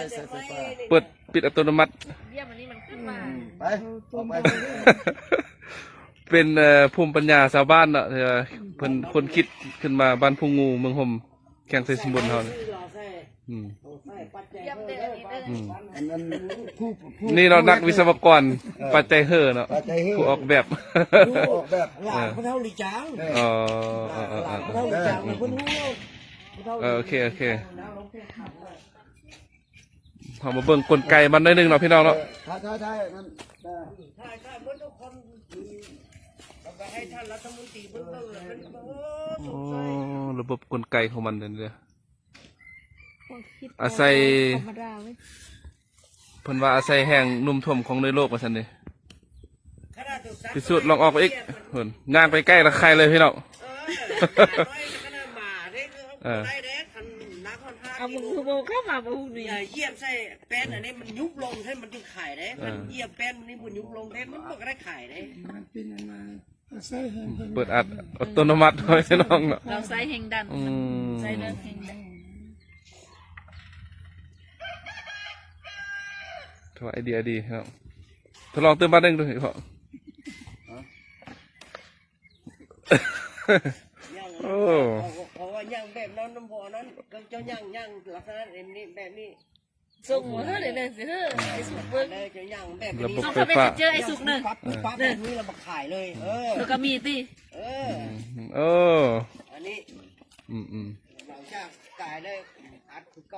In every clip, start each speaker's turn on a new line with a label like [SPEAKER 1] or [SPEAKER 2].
[SPEAKER 1] สายไฟฟ้า
[SPEAKER 2] เปิดปิดอัตโนมัติ
[SPEAKER 3] เยี่ยมอันนี้มันขึ้นมา
[SPEAKER 1] ไปออกไป
[SPEAKER 2] เป็นภูมิปัญญาชาวบ้านเนาะเพิ่นคนคิดขึ้นมาบ้านพุงงูเมืองห่มแข่งใส่สมบูรณ์เฮานี่อืม
[SPEAKER 3] เยี่ยมเลยอันนี้เลย
[SPEAKER 2] อืม
[SPEAKER 1] อันนั้นผู้
[SPEAKER 2] นี่เรานักวิศวกรปัจจัยเฮอเนาะ
[SPEAKER 1] ปัจจัยเฮ้อ
[SPEAKER 2] ผู้ออกแบบ
[SPEAKER 1] ผู้ออกแบบ
[SPEAKER 4] หลานเขาเท่าลิจาง
[SPEAKER 2] อ๋อ
[SPEAKER 4] หลานเขาเท่าลิจางมันเพิ่นรู้
[SPEAKER 2] โอเคพอมาเบิ่งกลไกมันได้นึงเนาะพี่น้องเนาะ
[SPEAKER 1] ใช่นั่น
[SPEAKER 4] ใช่เมื่อทุกคนแล้วก็ให้ท่านรัฐมนตรีเบิ่งเลยเป็นโอ้
[SPEAKER 2] อ๋อระบบกลไกของมันเนี่ย
[SPEAKER 3] ความคิด
[SPEAKER 2] อาศัย
[SPEAKER 3] ธรรมดาเว้ย
[SPEAKER 2] เพิ่นว่าอาศัยแห่งนุ่มท่วมของในโลกว่าซั่นนี่
[SPEAKER 4] ขนาดถูกซัก
[SPEAKER 2] พิสูจน์ลองออกไปอีกเพิ่นย่างไปใกล้ละใครเลยพี่น้อง
[SPEAKER 4] ขนาดหมาได้คือได้เด้คันนักคอนท่า
[SPEAKER 3] เอามือโบเข้ามาบูนี่
[SPEAKER 4] เยี่ยมใส่แป้นอันนี้มันยุบลงให้มันจึงขายได้คันเยี่ยมแป้นนี่มันยุบลงได้มันก็ได้ขายได้
[SPEAKER 5] มันเป็นอันมาใส่แห้งเพิ่น
[SPEAKER 2] เปิดอัตโนมัติไว้พี่น้องเนาะ
[SPEAKER 3] เราใส่แห่งดัน
[SPEAKER 2] อืม
[SPEAKER 3] ใส่เลือดแห่งดัน
[SPEAKER 2] ถือว่าไอเดียดีครับทดลองเติมบ้านหนึงดูพ่อ โอ้
[SPEAKER 4] เพราะว่าย่างแบบนั้นน้ำบ่อนั้นก็เจ้าย่างลักษณะนี้แบบนี้
[SPEAKER 3] ส่งหัวเฮ้อเลยสิเฮ้อไอ้สุกเบิ้ง
[SPEAKER 4] เลยเจ้าย่างแบบ
[SPEAKER 2] ระ
[SPEAKER 4] นี้
[SPEAKER 2] บบ
[SPEAKER 3] ต้อง
[SPEAKER 2] ไฟ
[SPEAKER 3] เข้าไป
[SPEAKER 2] ฟ้า
[SPEAKER 3] เจอไอ้สุกหนึ่ง
[SPEAKER 4] ปั๊บแบบนี้เรามาขายเลย
[SPEAKER 3] แล้วก็มีตี
[SPEAKER 2] โอ้
[SPEAKER 4] อันนี้
[SPEAKER 2] อืม
[SPEAKER 4] หลังจากกายได้อัดคือเก่า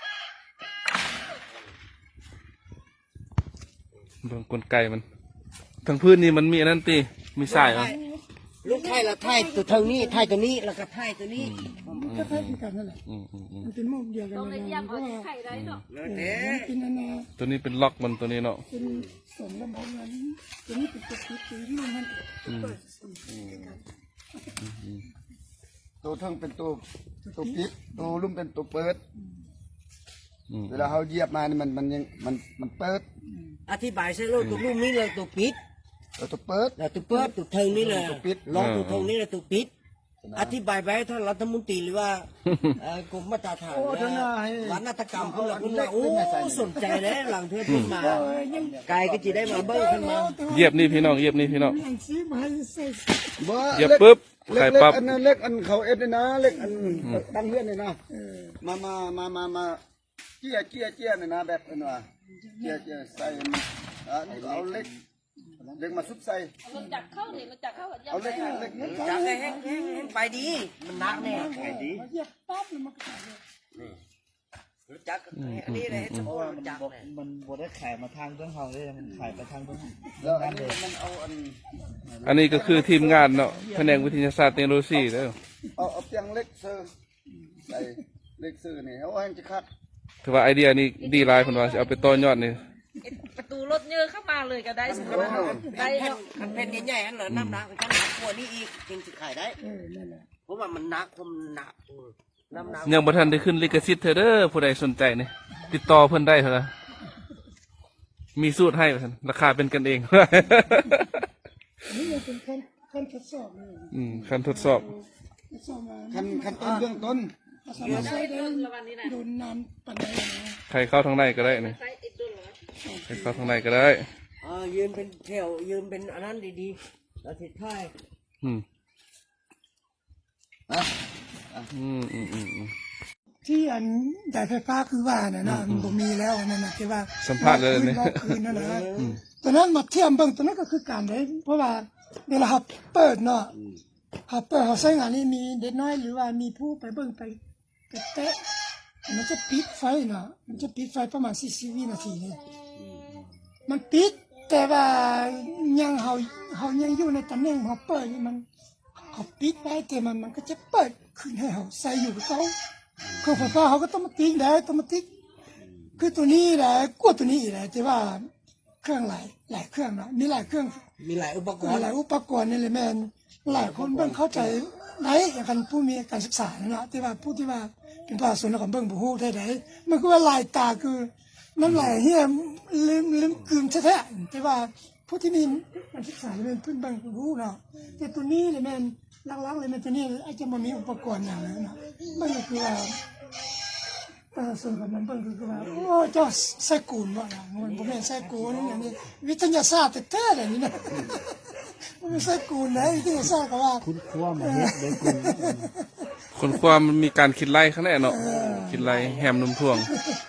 [SPEAKER 2] เบิ่งกลไกมันทั้งพื้นนี่มันมีอันนั้นตีมีสายเหรอ
[SPEAKER 4] ลูกไทยละไทยตัวทางนี้ไทยตัวนี้แล้วก็ไทยตัวนี้
[SPEAKER 5] ก็คล้ายๆกันนั่นแหละมันเป็นมุมเดียวกัน
[SPEAKER 3] ต้อง
[SPEAKER 5] เล
[SPEAKER 3] เลย
[SPEAKER 5] ย
[SPEAKER 3] เยี่ยม
[SPEAKER 5] เพ
[SPEAKER 3] เอา
[SPEAKER 5] ราะว่า
[SPEAKER 3] ไข่ได้เนาะ
[SPEAKER 4] แล้ว
[SPEAKER 5] มัน
[SPEAKER 4] เด้
[SPEAKER 5] เป็นอันนา
[SPEAKER 2] ตัวนี้เป็นล็อกมันตัวนี้เนาะ
[SPEAKER 5] เป็นสมลำบากนั้นตัวนี้เป็นตัวคิดตัวนี้มันเปิด
[SPEAKER 1] ตัวเทิงเป็นตัวปิดตัวลุ่มเป็นตัวเปิด
[SPEAKER 2] อืม
[SPEAKER 1] เวลาเขาเหยียบมานี่มันยังมันเปิด
[SPEAKER 4] อธิบายใช่ลูกตัวลูกนี้เลยตัวปิด
[SPEAKER 1] ตัวเปิด
[SPEAKER 4] แล้วตัวเปิดตัวเทิงนี่เลย
[SPEAKER 1] ตัวปิด
[SPEAKER 4] ลองตัวเทิงนี่เลยตัวปิด อธิบายไปให้ท่านรัฐมนตรีหรือว่ากรมมาตรฐานวัฒนกรรมพวกเราคุณว่าโอ้สนใจเลยหลังเทือขึ้นมาไกายก็จะได้มาเบิ้งขึ้นมา
[SPEAKER 2] เหยียบนี่พี่น้องเหยียบนี่พี่น้อง
[SPEAKER 5] อย่างซีมาให้ใส่
[SPEAKER 2] เหยียบปุ๊บ
[SPEAKER 1] เล็
[SPEAKER 2] ไข่
[SPEAKER 1] ก
[SPEAKER 2] ปั๊บ
[SPEAKER 1] อันนั้นเล็กอันเขาเอ็ดนี่นะเล็กอันตั้งเฮือนนี่นะมาเจี้ยนี่นะแบบนั้นว่าเจี้ยใส่นี่ก็เอาเล็กมาซุบใส่
[SPEAKER 3] มันจับเข้าเลยมันจับเข้ากับย่
[SPEAKER 1] เอาเล็ก
[SPEAKER 4] จับได้แห้งไปดี มันนักแน่ไปดี
[SPEAKER 5] เหยียบปั๊บแล้วมันก็ใส่เลย
[SPEAKER 4] รู้จักอันนี้เลยจะบอกมันจับเลย
[SPEAKER 6] มันบดได้ขายมาทางเรื่องเขาเลยมันขายไปทางเรื่อง
[SPEAKER 1] แล้วอันนี้มันเอาอัน
[SPEAKER 2] อันนี้ก็คือทีมงานเนาะแผนกวิทยาศาสตร์เทคโนโลยีเด้อ
[SPEAKER 1] เอาเตียงเล็กเซอร์ใส่เล็กเซอร์นี่เอาให้จะคัด
[SPEAKER 2] ถือว่าไอเดียนี้ดีหลายเพิ่นว่าสิเอาไปต่อยอดนี่
[SPEAKER 3] ประตูรถเยอะเข้ามาเลยก็ได้สุกได้
[SPEAKER 4] แผ่น
[SPEAKER 3] เนาะ
[SPEAKER 4] แผ่นใหญ่ๆอันเหรอน้ำหนักกันหนักกว่านี้อีกจึงจะขายได้
[SPEAKER 5] นั่นแหละ
[SPEAKER 4] เพราะว่ามันหนักผมหนักน้ำหนัก
[SPEAKER 2] ยังบ่ทันได้ขึ้นลิขสิทธิ์เธอเด้อผู้ใดสนใจนี่ติดต่อเพิ่นได้เถอะนะมีสูตรให้ว่าซั่นราคาเป็นกันเอง
[SPEAKER 5] นี่มันเป็นขั้นทดสอบเลย
[SPEAKER 2] ขั้นทดสอบ
[SPEAKER 5] ทดสอบมา
[SPEAKER 1] ขั้นต้นเบื้องต้น
[SPEAKER 5] สามารถใช้ได้โดนน้ำปันได้นะ
[SPEAKER 2] ใครเข้าทางในก็ได้นี่
[SPEAKER 3] ใส่ติดตัวเหรอ
[SPEAKER 2] ใครเข้าทางในก็ได้
[SPEAKER 4] ยืนเป็นแถวยืนเป็นอันนั้นดีๆแล้วทิศท้าย
[SPEAKER 2] อืม
[SPEAKER 1] นะ
[SPEAKER 5] ที่อันจ่ายไฟฟ้าคือว่าน่ะนะมันบ่มีแล้วนั่นน่ะที่ว่า
[SPEAKER 2] สัมภาษณ์เลย
[SPEAKER 5] นี่
[SPEAKER 2] นี่
[SPEAKER 5] คืนนั่นนะตอนนั้นมาเทียมเบิ่งตอนนั้นก็คือการได้เพราะว่าเวลาเราเปิดเนาะเราเปิดเราใช้งานนี่มีเด็กน้อยหรือว่ามีผู้ไปเบิ่งไปแตะมันจะปิดไฟเนาะมันจะปิดไฟประมาณ40วินาทีนี่มันปิดแต่ว่ายังเฮายังอยู่ในตำแหน่งเฮาเปิดนี่มันเขาปิดไว้แต่มันก็จะเปิดขึ้นให้เฮาใส่อยู่กับเขาคือไฟฟ้าเขาก็ต้องมาติ๊กได้ต้องมาติ๊กคือตัวนี้แหละกว่าตัวนี้อีกแหละแต่ว่าเครื่องหลายเครื่องเนาะมีหลายเครื่อง
[SPEAKER 4] มีหลายอุปกร
[SPEAKER 5] ห
[SPEAKER 4] ณ์
[SPEAKER 5] ลายอุปกรณ์นี่เลยแม่นหลายคนเบิ่งเข้าใจได้อย่างกันผู้มีการศึกษาเนาะแต่ว่าผู้ที่ว่าเป็นภาคส่วนของเบิ่งบ่ฮู้ได้มันคือว่าลายตาคือน้ำลายเฮียลืมกลืนแท้ๆแต่ว่าผู้ที่มีการศึกษาเป็นเพิ่นเบิ่งบ่ฮู้เนาะแต่ตัวนี้เลยแม่นหลักๆเลยแม่นตัวนี้อาจจะบ่มีอุปกรณ์อย่างนั้นเนาะมันก็คือว่าส่วนกับมันเบิ่งคือว่าโอ้เจ้าใส่กูนว่าล่ะมันบ่แม่นใส่กูนอย่างนี้วิทยาศาสตร์แท้ๆเลยนี่นะมันไม่ใส่กูนนะวิทยาศาสตร์ก็ว่า
[SPEAKER 6] คุณครัวมาเฮ็ดเลยคุณ
[SPEAKER 2] คนความมันมีการคิดไล่ข้างในเนาะคิดไล่แฮมนมท่วง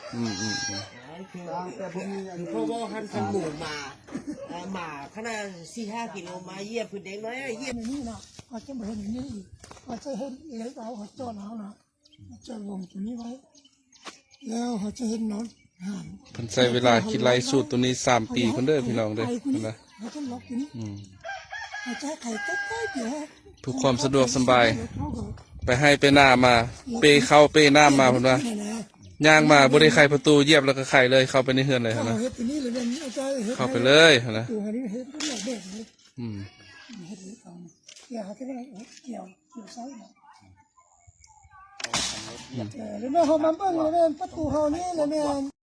[SPEAKER 1] แต่ผมมีอัน
[SPEAKER 4] เพราะว่าคันหมูมาหมาขนาด4-5 กิโลมาเหยียบพื้นเด็กน้อยเหยียบ
[SPEAKER 5] นี่นะเขาจะมาเห็นอย่างนี้อีกเขาจะเห็นเล็กเอาเขาจอดเอานะจะลงตัวนี้ไว้แล้วเขาจะเห็นนอนห่าง
[SPEAKER 2] เพิ่นใช้เวลาคิดไล่สูตรตัวนี้3 ปีเพิ่นเด้อพี่น้องเด้อนะ
[SPEAKER 5] เขาจะล็อกตัวนี้เขาจะไข่ใกล้ๆเดี๋ยว
[SPEAKER 2] เพื่อความสะดวกสบายไปให้ไปหน้ามาเปเข้าเปหน้ามาเพิ่นว่าย่างมาบ่ได้ไขประตูเหยียบแล้วก็ไขเลยเข้าไปในเฮือนเลย
[SPEAKER 5] เขา
[SPEAKER 2] นะ
[SPEAKER 5] เฮ็ดตัวนี้เลยเนี่ยอาจารย์เฮ็ด
[SPEAKER 2] เข้าไปเลยนะ
[SPEAKER 5] ตัวนี้เฮ็ดก็แบบแบบนี้ เฮ็ดเลยเอาเกี่ยวเขาจะได้เกี่ยวไซส์นะแล้วแม่เขามาเบิ่งแล้วแม่ประตูเฮานี่แล้วแม่